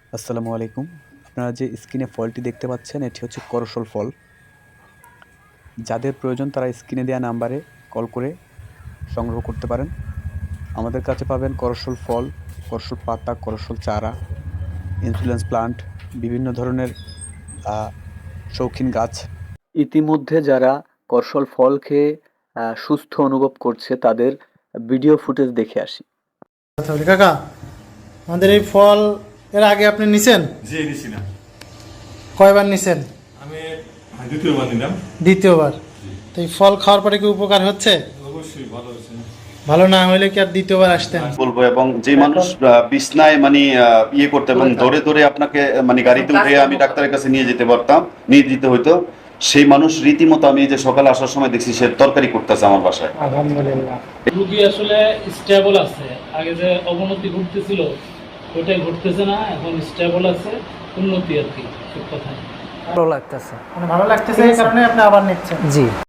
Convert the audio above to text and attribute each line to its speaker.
Speaker 1: আসসালামু আলাইকুম। আপনারা যে স্ক্রিনে ফলটি দেখতে পাচ্ছেন এটি হচ্ছে করসল ফল। যাদের প্রয়োজন তারা স্ক্রিনে দেওয়া নাম্বারে কল করে সংগ্রহ করতে পারেন। আমাদের কাছে পাবেন করসল ফল, করসল পাতা, করসল চারা, ইনসুলেন্স প্লান্ট, বিভিন্ন ধরনের শৌখিন গাছ। ইতিমধ্যে যারা করসল ফল খেয়ে সুস্থ অনুভব করছে তাদের ভিডিও ফুটেজ দেখে আসি।
Speaker 2: তাহলে কাকা, আমাদের এই ফল এর আগে আপনি নিছেন?
Speaker 3: জি নিছিলাম।
Speaker 2: কয়বার নিছেন?
Speaker 3: আমি দ্বিতীয়বার নিলাম।
Speaker 2: দ্বিতীয়বার। তো এই ফল খাওয়ার পরে কি উপকার হচ্ছে?
Speaker 3: অবশ্যই ভালো হয়েছে।
Speaker 2: ভালো না হলে কি আর দ্বিতীয়বার আসতেন?
Speaker 4: বলবো, এবং যে মানুষ বিছনায় মানে ইয়ে করতে এবং ধরে ধরে আপনাকে মানে গাড়িতে উঠে আমি ডাক্তারের কাছে নিয়ে যেতে হইতো, সেই মানুষ রীতিমতো আমি এই যে সকালে আসার সময় দেখছি সে তরকারি করতেছে আমার বাসায়।
Speaker 2: আলহামদুলিল্লাহ।
Speaker 5: রুগী আসলে স্টেবল আছে, আগে যে অবনতি ঘটতেছিল ওটাই ঘটতেছে না, এখন স্টেবল আছে, উন্নতি আর কি, ঠিক কথা।
Speaker 6: ভালো লাগতেছে।
Speaker 2: মানে ভালো লাগতেছে এই কারণে আপনি আবার নিচ্ছেন?
Speaker 6: জি।